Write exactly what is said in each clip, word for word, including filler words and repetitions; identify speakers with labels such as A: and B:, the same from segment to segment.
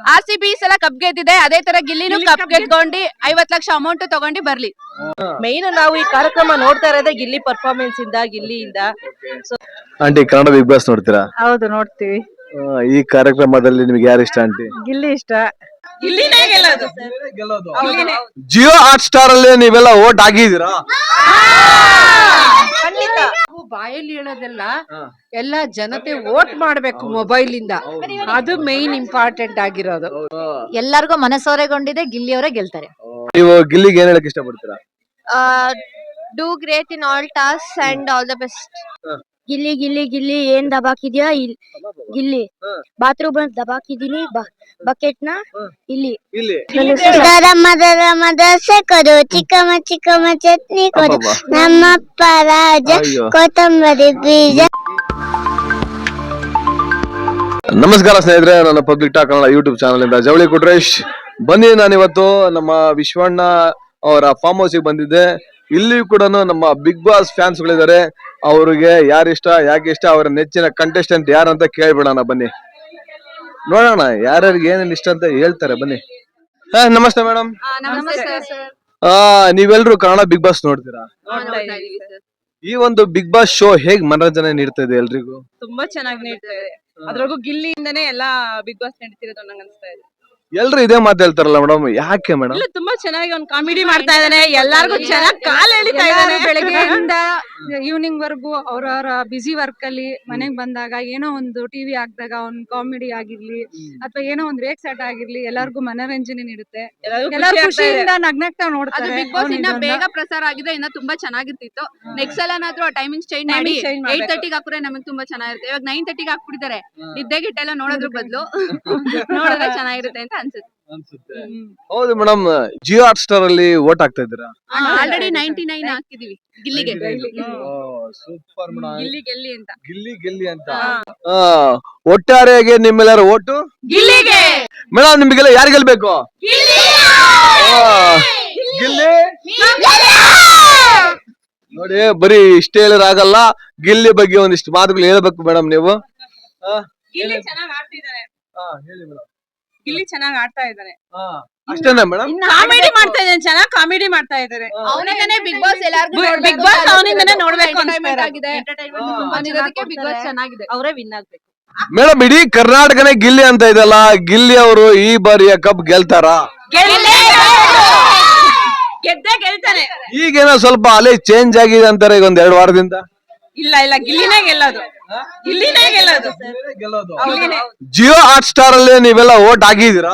A: R C B ಸಲ cup ಗೆದ್ದಿದೆ, ಅದೇ ತರ ಗಿಲ್ಲಿನೂ ಕಪ್ ಗೆದ್ಕೊಂಡು ಐವತ್ ಲಕ್ಷ ಅಮೌಂಟ್ ತಗೊಂಡು ಬರ್ಲಿ.
B: ಮೇನ್ ನಾವು ಈ ಕಾರ್ಯಕ್ರಮ ನೋಡ್ತಾ ಇರೋದೇ ಗಿಲ್ಲಿ ಪರ್ಫಾರ್ಮೆನ್ಸ್ ಇಂದ, ಗಿಲ್ಲಿಯಿಂದ.
C: ಆಂಟಿ ಕನ್ನಡ ಬಿಗ್ ಬಾಸ್ ನೋಡ್ತೀರಾ?
B: ಹೌದು, ನೋಡ್ತೀವಿ.
C: ಈ ಕಾರ್ಯಕ್ರಮದಲ್ಲಿ ನಿಮ್ಗೆ ಯಾರು ಇಷ್ಟ ಆಂಟಿ?
B: ಗಿಲ್ಲಿ ಇಷ್ಟ.
C: ಜಿಯೋ ಹಾಟ್ ಸ್ಟಾರ್ ಅಲ್ಲಿ ನೀವೆಲ್ಲ ವೋಟ್ ಹಾಕಿದೀರಾ?
D: ಬಾಯಲ್ಲಿ ಹೇಳೋದೆಲ್ಲ ಎಲ್ಲ ಜನತೆ ವೋಟ್ ಮಾಡ್ಬೇಕು ಮೊಬೈಲ್ ಇಂದ, ಅದು ಮೈನ್ ಇಂಪಾರ್ಟೆಂಟ್ ಆಗಿರೋದು.
E: ಎಲ್ಲರಿಗೂ ಮನಸೋರೆಗೊಂಡಿದೆ, ಗಿಲ್ಲಿಯವರೇ ಗೆಲ್ತಾರೆ.
C: ನೀವು ಗಿಲ್ಲಿಗೆ ಏನ್ ಹೇಳಕ್ ಇಷ್ಟಪಡ್ತೀರಾ?
F: Do great in all task and all the best. Gilli Gilli Gilli ಏನ್ ದಬಾಕಿದ್ಯಾ? ಗಿಲ್ಲಿ ಬಾತ್ರೂಮ್ ದಬಾಕಿದೀನಿ ಬಕೆಟ್ ನ ಇಲ್ಲಿ. ದರಮ ದರಮ ದಸೆ ಕೊಡು, ಚಿಕ್ಕಮ್ಮ ಚಿಕ್ಕಮ್ಮ ಚಟ್ನಿ ಕೊಡು, ನಮ್ಮಪ್ಪ ರಾಜ ಕೊತ್ತಂಬರಿ ಬೀಜ.
C: ನಮಸ್ಕಾರ ಸ್ನೇಹಿತರೆ, ನನ್ನ public talk Kannada YouTube channel ಇಂದ ಜವಳಿ ಕುಟ್ರೇಶ್ ಬನ್ನಿ. ನಾನಿವತ್ತು ನಮ್ಮ ವಿಶ್ವಣ್ಣ ಅವರ ಫಾರ್ಮ್ ಹೌಸ್ ಗೆ ಬಂದಿದ್ದೆ. ಇಲ್ಲಿ ಕೂಡ ನಮ್ಮ ಬಿಗ್ ಬಾಸ್ ಫ್ಯಾನ್ಸ್ ಗಳಿದ್ದಾರೆ. ಅವ್ರಿಗೆ ಯಾರಿಷ್ಟ, ಯಾಕೆ ಇಷ್ಟ, ಅವರ ನೆಚ್ಚಿನ ಕಂಟೆಸ್ಟೆಂಟ್ ಯಾರಂತ ಕೇಳ್ಬಿಡೋಣ ಬನ್ನಿ, ನೋಡೋಣ ಯಾರ್ಯಾರಿಗೆ ಏನೇನ್ ಇಷ್ಟ ಅಂತ ಹೇಳ್ತಾರೆ ಬನ್ನಿ. ಹಾ, ನಮಸ್ತೆ ಮೇಡಮ್. ನೀವೆಲ್ರು ಕನ್ನಡ ಬಿಗ್ ಬಾಸ್ ನೋಡ್ತೀರಾ? ಈ ಒಂದು ಬಿಗ್ ಬಾಸ್ ಶೋ ಹೇಗ್ ಮನರಂಜನೆ ನೀಡ್ತಾ ಇದೆ ಎಲ್ರಿಗೂ?
B: ತುಂಬಾ ಚೆನ್ನಾಗಿ ನೀಡ್ತಾ ಇದೆ. ಅದ್ರಾಗೂ ಗಿಲ್ಲಿಯಿಂದನೇ ಎಲ್ಲಾ ಬಿಗ್ ಬಾಸ್ ನಡೀತಿರೋದು ನಂಗೆ ಅನ್ಸ್ತಾ ಇದೆ.
C: ಎಲ್ರು ಇದೇ ಮಾತು ಹೇಳ್ತಾರಲ್ಲ ಮೇಡಮ್, ಯಾಕೆ ಮೇಡಮ್?
B: ತುಂಬಾ ಚೆನ್ನಾಗಿ ಒಂದು ಕಾಮಿಡಿ ಮಾಡ್ತಾ ಇದ್ದಾನೆ, ಎಲ್ಲಾರ್ಗು ಚೆನ್ನಾಗಿ ಕಾಲ್ ಎಳಿತಾ ಇದ್ದಾನೆ.
D: ಬೆಳಗ್ಗೆಯಿಂದ ಈವ್ನಿಂಗ್ ವರ್ಗು ಅವ್ರವ್ರ ಬಿಸಿ ವರ್ಕ್ ಅಲ್ಲಿ ಮನೆಗ್ ಬಂದಾಗ ಏನೋ ಒಂದು ಟಿವಿ ಹಾಕ್ದಾಗ ಒಂದ್ ಕಾಮಿಡಿ ಆಗಿರ್ಲಿ ಅಥವಾ ಏನೋ ಒಂದ್ ರೇಕ್ ಸೆಟ್ ಆಗಿರ್ಲಿ, ಎಲ್ಲಾರ್ಗು ಮನೋರಂಜನೆ ನೀಡುತ್ತೆ. ಎಲ್ಲಾರು ಖುಷಿಯಿಂದ ನಗ್ನಗ್ತಾ ನೋಡ್ತಾರೆ.
A: ಬಿಗ್ ಬಾಸ್ ಇನ್ನ ಬೇಗ ಪ್ರಸಾರ ಆಗಿದೆ, ಇನ್ನ ತುಂಬಾ ಚೆನ್ನಾಗಿರ್ತಿತ್ತು. ನೆಕ್ಸ್ಟ್ ಸಲನಾದ್ರೂ ಟೈಮಿಂಗ್ ಚೇಂಜ್ ಮಾಡಿ ಏಟ್ ತರ್ಟಿಗೆ ಹಾಕ್ರೆ ನಮಗೆ ತುಂಬಾ ಚೆನ್ನಾಗಿರುತ್ತೆ. ಇವಾಗ ನೈನ್ ತರ್ಟಿಗೆ ಹಾಕ್ಬಿಟ್ಟಿದ್ದಾರೆ. ನಿದ್ದೆ ಗಿಟ್ಟೆಲ್ಲ ನೋಡೋದ್ರ ಬದಲು ನೋಡಿದ್ರೆ ಚೆನ್ನಾಗಿರುತ್ತೆ ಅಂತ ಅನ್ಸುತ್ತೆ.
C: ಹೌದು ಮೇಡಮ್, ಜಿಯೋ ಹಾಟ್ ಸ್ಟಾರ್ ಅಲ್ಲಿ ವೋಟ್ ಹಾಕ್ತಾ ಇದ್ದೀರಾ?
A: ಆಲ್ರೆಡಿ ನೈಂಟಿ ನೈನ್ ಹಾಕಿದೀವಿ ಗಿಲ್ಲಿಗೆ.
C: ಸೂಪರ್ ಮೇಡಮ್,
A: ಗಿಲ್ಲಿ ಗೆಲ್ಲಿ ಅಂತ.
C: ಗಿಲ್ಲಿ ಗೆಲ್ಲಿ ಅಂತ. ಒಟ್ಟಾರೆಯಾಗಿ ನಿಮ್ಮೆಲ್ಲರ ಓಟು
A: ಗಿಲ್ಲಿಗೆ.
C: ಮೇಡಮ್, ನಿಮ್ಗೆಲ್ಲ ಯಾರು ಗೆಲ್ಬೇಕು? ಗಿಲ್ಲಿ. ನೋಡಿ, ಬರೀ ಇಷ್ಟ ಹೇಳಿರಾಗಲ್ಲ, ಗಿಲ್ಲಿ ಬಗ್ಗೆ ಒಂದಿಷ್ಟು ಮಾತುಗಳು ಹೇಳ್ಬೇಕು ಮೇಡಮ್ ನೀವು.
B: ಗಿಲ್ಲಿ ಚೆನ್ನಾಗಿ ಆಡ್ತಿದ್ದಾನೆ.
C: ಹೇಳಿ ಮೇಡಮ್.
B: ಗಿಲ್ಲಿ ಚೆನ್ನಾಗಿ ಆಡ್ತಾ ಇದ್ದಾನೆ.
C: ಅಷ್ಟೇನಾ ಮೇಡಮ್?
B: ಕಾಮಿಡಿ ಮಾಡ್ತಾ ಇದ್ದಾನೆ, ಚೆನ್ನಾಗಿ ಕಾಮಿಡಿ ಮಾಡ್ತಾ ಇದ್ದಾರೆ.
A: ಅವನಿಂದನೇ ಬಿಗ್ ಬಾಸ್ ಎಲ್ಲಾರ್ಗೂ
B: ಬಿಗ್ ಬಾಸ್ ಅವನಿಂದನೇ ನೋಡ್ಬೇಕು
A: ಎಂಟರ್ಟೈನ್ಮೆಂಟ್ ಆಗಿದೆ. ಬಿಗ್ ಬಾಸ್ ಚೆನ್ನಾಗಿದೆ,
B: ಅವರೇ ವಿನ್ ಆಗ್ಬೇಕು.
C: ಮೇಡಮ್, ಇಡೀ ಕರ್ನಾಟಕನೇ ಗಿಲ್ಲಿ ಅಂತ ಇದೆಲ್ಲ, ಗಿಲ್ಲಿ ಅವರು ಈ ಬಾರಿಯ ಕಪ್ ಗೆಲ್ತಾರ?
B: ಗೆದ್ದೆ ಗೆಲ್ತಾನೆ.
C: ಈಗೇನೋ ಸ್ವಲ್ಪ ಅಲೆ ಚೇಂಜ್ ಆಗಿದೆ ಅಂತಾರೆ ಈಗ ಒಂದ್ ಎರಡು ವಾರದಿಂದ.
B: ಇಲ್ಲ ಇಲ್ಲ, ಗಿಲ್ಲಿನೇ ಗೆಲ್ಲೋದು, ಗಿಲ್ಲಿನೇ ಗೆಲ್ಲೋದು.
C: ಜಿಯೋ ಹಾಟ್ ಸ್ಟಾರ್ ಅಲ್ಲಿ ನೀವೆಲ್ಲ ವೋಟ್ ಹಾಕಿದೀರಾ?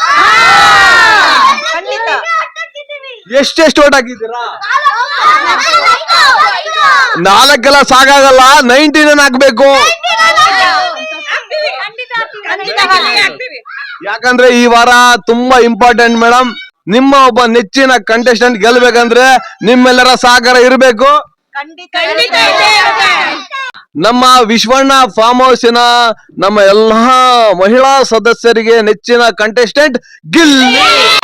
C: ಎಷ್ಟೆಷ್ಟು ವೋಟ್ ಹಾಕಿದ್ದೀರಾ? ನಾಲ್ಕೆಲ್ಲ ಸಾಕಾಗಲ್ಲ, ನೈಂಟಿ ನೈನ್ ಹಾಕ್ಬೇಕು. ಯಾಕಂದ್ರೆ ಈ ವಾರ ತುಂಬಾ ಇಂಪಾರ್ಟೆಂಟ್ ಮೇಡಮ್. ನಿಮ್ಮ ಒಬ್ಬ ನೆಚ್ಚಿನ ಕಂಟೆಸ್ಟೆಂಟ್ ಗೆಲ್ಬೇಕಂದ್ರೆ ನಿಮ್ಮೆಲ್ಲರ ಸಹಕಾರ ಇರಬೇಕು. ನಮ್ಮ ವಿಶ್ವಣ್ಣ ಫಾರ್ಮ್ ಹೌಸಿನ ನಮ್ಮ ಎಲ್ಲಾ ಮಹಿಳಾ ಸದಸ್ಯರಿಗೆ ನೆಚ್ಚಿನ contestant Gilli.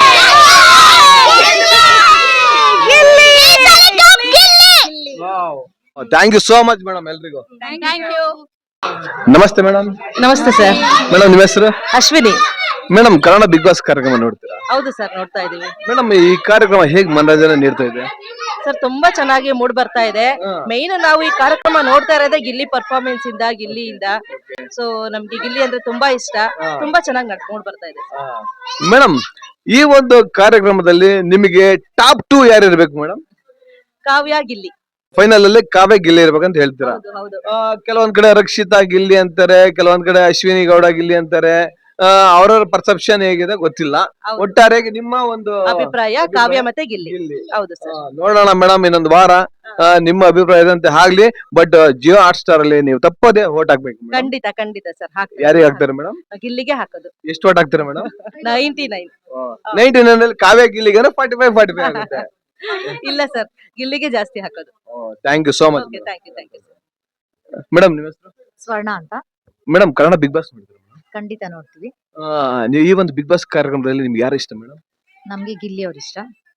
C: Thank you so much madam ಎಲ್ರಿಗೂ. ನಮಸ್ತೆ ಮೇಡಮ್.
B: ನಮಸ್ತೆ ಸರ್.
C: ಮೇಡಮ್, ನಿಮ್ಮ ಹೆಸರು?
B: Ashwini.
C: Madam, Kannada Bigg Boss ಕಾರ್ಯಕ್ರಮ ನೋಡ್ತೀರಾ?
B: ಹೌದು ಸರ್, ನೋಡ್ತಾ ಇದೀವಿ.
C: ಮೇಡಮ್, ಈ ಕಾರ್ಯಕ್ರಮ ಹೇಗ್ ಮನರಂಜನೆ ನೀಡ್ತಾ ಇದೆ?
B: ಸರ್, ತುಂಬಾ ಚೆನ್ನಾಗಿ ಮೂಡ್ ಬರ್ತಾ ಇದೆ. ಮೈನ್ ನಾವು ಈ ಕಾರ್ಯಕ್ರಮ ನೋಡ್ತಾ ಇರೋದೇ ಗಿಲ್ಲಿ ಪರ್ಫಾರ್ಮೆನ್ಸ್ ಇಂದ, ಗಿಲ್ಲಿಯಿಂದ. ಸೊ ನಮ್ಗೆ ಗಿಲ್ಲಿ ಅಂದ್ರೆ ತುಂಬಾ ಇಷ್ಟ, ತುಂಬಾ ಚೆನ್ನಾಗಿ ಮೂಡ್ ಬರ್ತಾ ಇದೆ.
C: ಮೇಡಮ್, ಈ ಒಂದು ಕಾರ್ಯಕ್ರಮದಲ್ಲಿ ನಿಮಗೆ ಟಾಪ್ ಟೂ ಯಾರು ಇರ್ಬೇಕು ಮೇಡಮ್?
B: ಕಾವ್ಯ, ಗಿಲ್ಲಿ.
C: ಫೈನಲ್ ಅಲ್ಲಿ ಕಾವ್ಯ ಗಿಲ್ಲಿ ಇರ್ಬೇಕಂತ ಹೇಳ್ತೀರಾ?
B: ಹೌದು.
C: ಕೆಲವೊಂದ್ ಕಡೆ ರಕ್ಷಿತಾ ಗಿಲ್ಲಿ ಅಂತಾರೆ, ಕೆಲವೊಂದ್ ಕಡೆ ಅಶ್ವಿನಿ ಗೌಡ ಗಿಲ್ಲಿ ಅಂತಾರೆ. ಅವ್ರವ್ರ ಪರ್ಸೆಪ್ಷನ್ ಹೇಗಿದೆ ಗೊತ್ತಿಲ್ಲ. ಒಟ್ಟಾರೆಯಾಗಿ ನಿಮ್ಮ ಒಂದು
B: ಅಭಿಪ್ರಾಯ ಕಾವ್ಯ ಮತ್ತೆ ಗಿಲ್ಲಿ. ಹೌದು ಸರ್.
C: ನೋಡೋಣ ಮೇಡಮ್, ಇನ್ನೊಂದು ವಾರ ನಿಮ್ಮ ಅಭಿಪ್ರಾಯದಂತೆ ಆಗ್ಲಿ. ಬಟ್ ಜಿಯೋ ಹಾಟ್ ಸ್ಟಾರ್ ಅಲ್ಲಿ ನೀವು ತಪ್ಪದೆ ವೋಟ್ ಹಾಕ್ಬೇಕು.
B: ಖಂಡಿತ ಖಂಡಿತ ಸರ್.
C: ಯಾರಿಗೆ ಹಾಕ್ತಾರೆ ಮೇಡಮ್?
B: ಗಿಲ್ಲಿಗೆ ಹಾಕೋದು.
C: ಎಷ್ಟು ವೋಟ್ ಹಾಕ್ತಾರೆ madam?
B: Ninety nine.
C: Ninety nine ಅಲ್ಲಿ ಕಾವ್ಯ ಗಿಲ್ಲಿಗೆ ಫಾರ್ಟಿ ಫೈವ್ ಫಾರ್ಟಿ ಫೈವ್ ಆಗುತ್ತೆ.
B: ಇಲ್ಲ ಸರ್, ಗಿಲ್ಲಿಗೆ ಜಾಸ್ತಿ ಹಾಕೋದು.
C: Thank you so much.
B: Thank you thank you
C: madam, ನಿಮ್ಮ ಹೆಸರು?
E: ಸ್ವರ್ಣ ಅಂತ.
C: ಮೇಡಮ್, ಕನ್ನಡ ಬಿಗ್ ಬಾಸ್ ನೋಡಿದ್ರಿ?
E: ಖಂಡಿತ ನೋಡ್ತೀವಿ.
C: ನೀವು ಈ ಒಂದು ಬಿಗ್ ಬಾಸ್ ಕಾರ್ಯಕ್ರಮದಲ್ಲಿ ನಿಮ್ಗೆ ಯಾರು ಇಷ್ಟ ಮೇಡಮ್?
E: ನಮ್ಗೆ ಗಿಲ್ಲಿ ಅವ್ರ ಇಷ್ಟ.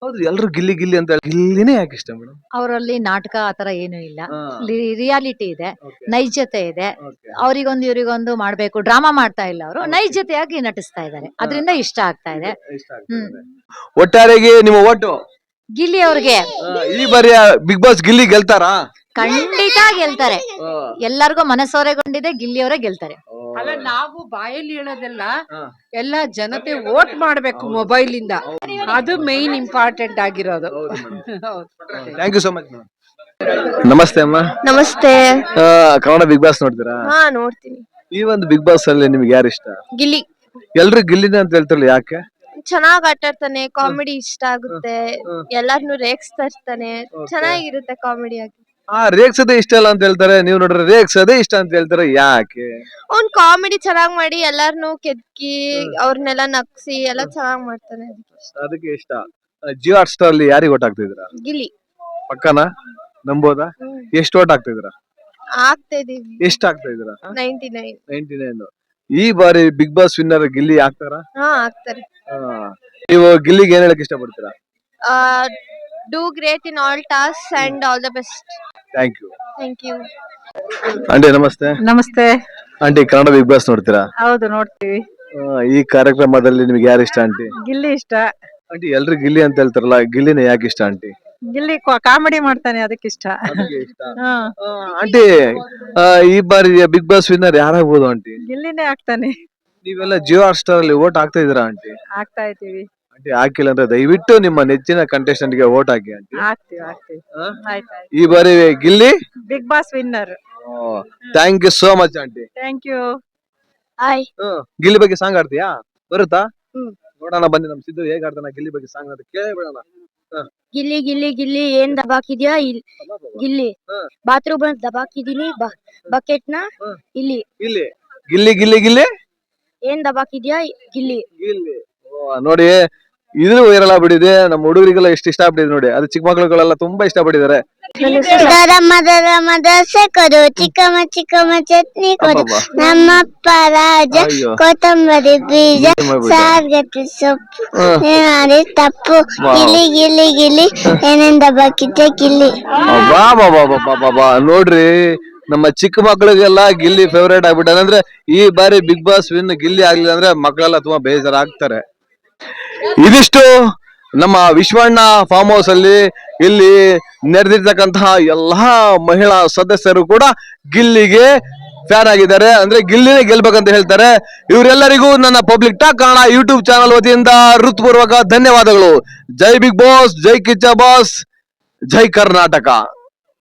C: ಹೌದು, ಎಲ್ರು ಗಿಲ್ಲಿ ಗಿಲ್ಲಿ ಅಂತ ಹೇಳಿ ಗಿಲ್ಲಿನೇ ಯಾಕೆ ಇಷ್ಟ ಮೇಡಮ್?
E: ಅವರಲ್ಲಿ ನಾಟಕ ಆತರ ಏನು ಇಲ್ಲ, ರಿಯಾಲಿಟಿ ಇದೆ, ನೈಜತೆ ಇದೆ. ಅವರಿಗೊಂದು ಇವರಿಗೊಂದು ಮಾಡ್ಬೇಕು, ಡ್ರಾಮಾ ಮಾಡ್ತಾ ಇಲ್ಲ, ಅವರು ನೈಜತೆಯಾಗಿ ನಟಿಸ್ತಾ ಇದ್ದಾರೆ, ಅದರಿಂದ ಇಷ್ಟ ಆಗ್ತಾ ಇದೆ. ಹ್ಮ್
C: ಒಟ್ಟಾರೆಗೆ ನಿಮ್ಮ ಓಟು
E: ಗಿಲ್ಲಿ ಅವ್ರಿಗೆ
C: ಈ ಬಾರಿ ಬಿಗ್ ಬಾಸ್ ಗಿಲ್ಲಿ ಗೆಲ್ತಾರಾ?
E: ಖಂಡಿತ ಗೆಲ್ತಾರೆ. ಎಲ್ಲರಿಗೂ ಮನಸೋರೆಗೊಂಡಿದೆ, ಗಿಲ್ಲಿ ಅವರೇ ಗೆಲ್ತಾರೆ.
B: ಅಲ್ಲ, ನಾವು ಬಾಯಲ್ಲಿ ಹೇಳೋದೆಲ್ಲ ಎಲ್ಲ ಜನತೆ ವೋಟ್ ಮಾಡ್ಬೇಕು ಮೊಬೈಲ್ ಇಂದ, ಅದು ಮೈನ್ ಇಂಪಾರ್ಟೆಂಟ್ ಆಗಿರೋದು.
C: Thank you so much. ನಮಸ್ತೆ ಅಮ್ಮ.
F: ನಮಸ್ತೆ.
C: ಆ, ಕನ್ನಡ ಬಿಗ್ ಬಾಸ್ ನೋಡ್ತೀರಾ?
F: ಹಾ, ನೋಡ್ತೀನಿ.
C: ಈ ಒಂದು ಬಿಗ್ ಬಾಸ್ ಅಲ್ಲಿ ನಿಮ್ಗೆ ಯಾರು ಇಷ್ಟ?
F: ಗಿಲ್ಲಿ
C: ಎಲ್ರು ಗಿಲ್ಲಿನೇ ಅಂತ ಹೇಳ್ತಾರಲ್ಲ, ಯಾಕೆ?
F: ಚೆನ್ನಾಗ್ ಆಟ ಆಡ್ತಾನೆ, ಕಾಮಿಡಿ ಇಷ್ಟ ಆಗುತ್ತೆ, ಎಲ್ಲಾರ್ನು ರೇಗಿಸ್ತಾ ಇರ್ತಾನೆ, ಚೆನ್ನಾಗಿರುತ್ತೆ ಕಾಮಿಡಿ ಆಗಿ.
C: ಆ ರೇಗ್ಸದೇ ಇಷ್ಟ ಇಲ್ಲ ಅಂತ ಹೇಳ್ತಾರೆ, ನೀವು ನೋಡ್ರೆ ರೇಗ್ಸದೇ ಇಷ್ಟ ಅಂತ ಹೇಳ್ತಾರೆ, ಯಾಕೆ?
F: ಅವ್ನ್ ಕಾಮಿಡಿ ಚೆನ್ನಾಗ್ ಮಾಡಿ ಎಲ್ಲಾರ್ನು ಕೆದ್ಕಿ ಅವ್ರನ್ನೆಲ್ಲ ನಗ್ಸಿ ಎಲ್ಲ ಚೆನ್ನಾಗ್ ಮಾಡ್ತಾನೆ,
C: ಅದಕ್ಕೆ ಇಷ್ಟ. ಜಿಯೋ ಹಾಟ್ ಸ್ಟಾರ್ ಅಲ್ಲಿ ಯಾರಿಗೆ ಓಟ್ ಹಾಕ್ತಿದ್ದೀರಾ?
F: ಗಿಲ್ಲಿ.
C: ಪಕ್ಕನಾ? ನಂಬೋದಾ? ಎಷ್ಟು ಓಟ್ ಹಾಕ್ತಿದ್ದೀರಾ?
F: ಆಗ್ತಾ ಇದೀವಿ.
C: ಎಷ್ಟು ಹಾಕ್ತಾ ಇದ್ದೀರಾ?
F: Ninety nine.
C: Ninety nine. ಈ ಬಾರಿ ಬಿಗ್ ಬಾಸ್ ವಿನ್ನರ್ ಗಿಲ್ಲಿ ಆಗ್ತಾರಾ?
F: ಹಾ, ಆಗ್ತಾರೆ.
C: ನೀವು ಗಿಲ್ಲಿಗೆ ಏನ್ ಹೇಳಕ್ ಇಷ್ಟಪಡ್ತೀರಾ?
F: Do great in all task and all the best.
C: Thank you.
F: Thank you.
C: Aunty ನಮಸ್ತೆ.
B: ನಮಸ್ತೆ.
C: ಆಂಟಿ ಕನ್ನಡ ಬಿಗ್ ಬಾಸ್ ನೋಡ್ತೀರಾ?
B: ಹೌದು, ನೋಡ್ತೀವಿ.
C: ಆ, ಈ ಕಾರ್ಯಕ್ರಮದಲ್ಲಿ ನಿಮ್ಗೆ ಯಾರು ಇಷ್ಟ ಆಂಟಿ?
B: ಗಿಲ್ಲಿ ಇಷ್ಟ.
C: ಆಂಟಿ ಎಲ್ರು ಗಿಲ್ಲಿ ಅಂತ ಹೇಳ್ತಾರಲ್ಲ, ಗಿಲ್ಲಿನೇ ಯಾಕೆ ಇಷ್ಟ ಆಂಟಿ?
B: ಗಿಲ್ಲಿ ಕಾಮಿಡಿ ಮಾಡ್ತಾನೆ, ಅದಕ್ಕೆ ಇಷ್ಟ. ಹಾ,
C: ಆಂಟಿ ಆ, ಈ ಬಾರಿ ಬಿಗ್ ಬಾಸ್ ವಿನ್ನರ್ ಯಾರಾಗ್ಬೋದು ಆಂಟಿ?
B: ಗಿಲ್ಲಿನೇ ಆಗ್ತಾನೆ.
C: ನೀವೆಲ್ಲ ಜಿಯೋ ಹಾಟ್ ಸ್ಟಾರ್ ಅಲ್ಲಿ ಓಟ್ ಹಾಕ್ತಾ ಇದೀರಾ ಆಂಟಿ?
B: ಆಗ್ತಾ ಇದ್ದೀವಿ.
C: ಆಂಟಿ ಹಾಕಿಲ್ಲ ಅಂದ್ರೆ ದಯವಿಟ್ಟು ನಿಮ್ಮ ನೆಚ್ಚಿನ ಕಂಟೆಸ್ಟೆಂಟ್ ಗೆ ಓಟ್ ಹಾಕಿ ಆಂಟಿ.
B: ಆಗ್ತೀವಿ ಆಗ್ತೀವಿ ಆಯ್ತಾಯ್ತು.
C: ಈ ಬಾರಿ Gilli
B: Bigg Boss winner.
C: Thank you so much aunty.
B: Thank you.
F: Hi.
C: Gilli ಬಗ್ಗೆ ಸಾಂಗ್ ಆಡ್ತೀಯಾ? ಬರುತ್ತಾ?
F: ಹ್ಮ್.
C: ನೋಡೋಣ ಬನ್ನಿ, ನಮ್ ಸಿದ್ದು ಹೇಗ್ ಆಡ್ತಾನ ಗಿಲ್ಲಿ ಬಗ್ಗೆ ಸಾಂಗ್ ಅಂತ ಕೇಳಿ ಬಿಡೋಣ.
F: ಗಿಲ್ಲಿ ಗಿಲ್ಲಿ ಗಿಲ್ಲಿ ಏನ್ ದಬಾಕಿದ್ಯಾ ಇಲ್- ಗಿಲ್ಲಿ
C: ಹಾ.
F: ಬಾತ್ರೂಮ್ ಅಲ್ಲಿ ದಬಾಕಿದೀನಿ, ಬಕೆಟ್ ನ
C: ಹಾ.
F: ಇಲ್ಲಿ
C: ಗಿಲ್ಲಿ ಗಿಲ್ಲಿ ಗಿಲ್ಲಿ ಗಿಲ್ಲಿ
F: ಏನ್ ದಬಾಕಿದ್ಯಾ ಗಿಲ್ಲಿ.
C: ಗಿಲ್ಲಿ. ಓ, ನೋಡಿ ಇದು ವೈರಲ್ ಆಗ್ಬಿಟ್ಟಿದೆ, ನಮ್ಮ ಹುಡುಗರಿಗೆಲ್ಲ ಎಷ್ಟು ಇಷ್ಟ ಆಗ್ಬಿಟ್ಟಿದೆ ನೋಡಿ, ಅದು ಚಿಕ್ಕ ಮಕ್ಳುಗಳೆಲ್ಲ ತುಂಬಾ ಇಷ್ಟ ಪಟ್ಟಿದ್ದಾರೆ.
F: ದರಮ ದರಮ ದೋಸೆ ಕೊಡು, ಚಿಕ್ಕಮ್ಮ ಚಿಕ್ಕಮ್ಮ ಚಟ್ನಿ ಕೊಡು,
C: ಅಬ್ಬಬ್ಬಾ.
F: ನಮ್ಮಪ್ಪ ರಾಜ
C: ಅಯ್ಯೋ.
F: ಕೊತ್ತಂಬರಿ ಬೀಜ
C: ಏನ್ ಮಾಡ್ಬಿಟ್ಟ?
F: ಸಾರ್ಗಟ್ಟಿ ಸೊಪ್ಪು,
C: ಹಾ.
F: ನೀನ್ ಮಾಡಿ ತಪ್ಪು,
C: ವಾವ್.
F: ಗಿಲ್ಲಿ ಗಿಲ್ಲಿ ಗಿಲ್ಲಿ ಏನೇನ್ ದಬಾಕಿದ್ಯಾ ಗಿಲ್ಲಿ.
C: ಬಾ ಬಾ ಬಾ ಬಾ ಬಾ ಬಾ ಬಾ ನೋಡ್ರಿ, ನಮ್ಮ ಚಿಕ್ಕ ಮಕ್ಕಳಿಗೆಲ್ಲ ಗಿಲ್ಲಿ ಫೇವರೇಟ್ ಆಗ್ಬಿಟ್ಟ. ಅಂದ್ರೆ ಈ ಬಾರಿ ಬಿಗ್ ಬಾಸ್ ವಿನ್ ಗಿಲ್ಲಿ ಆಗ್ಲಿಲ್ಲ ಅಂದ್ರೆ ಮಕ್ಕಳೆಲ್ಲ ತುಂಬಾ ಬೇಜಾರಾಗ್ತಾರೆ. ಇದಿಷ್ಟು ನಮ್ಮ ವಿಶ್ವಣ್ಣ ಫಾರ್ಮ್ ಹೌಸ್ ಅಲ್ಲಿ ಇಲ್ಲಿ ನೆರೆದಿರ್ತಕ್ಕಂತಹ ಎಲ್ಲಾ ಮಹಿಳಾ ಸದಸ್ಯರು ಕೂಡ ಗಿಲ್ಲಿಗೆ ಫ್ಯಾನ್ ಆಗಿದ್ದಾರೆ, ಅಂದ್ರೆ ಗಿಲ್ಲಿನೇ ಗೆಲ್ಬೇಕಂತ ಹೇಳ್ತಾರೆ. ಇವರೆಲ್ಲರಿಗೂ ನನ್ನ public talk Kannada YouTube channel ವತಿಯಿಂದ ಹೃತ್ಪೂರ್ವಕ ಧನ್ಯವಾದಗಳು. ಜೈ ಬಿಗ್ ಬಾಸ್, ಜೈ ಕಿಚ್ಚ ಬಾಸ್, ಜೈ ಕರ್ನಾಟಕ.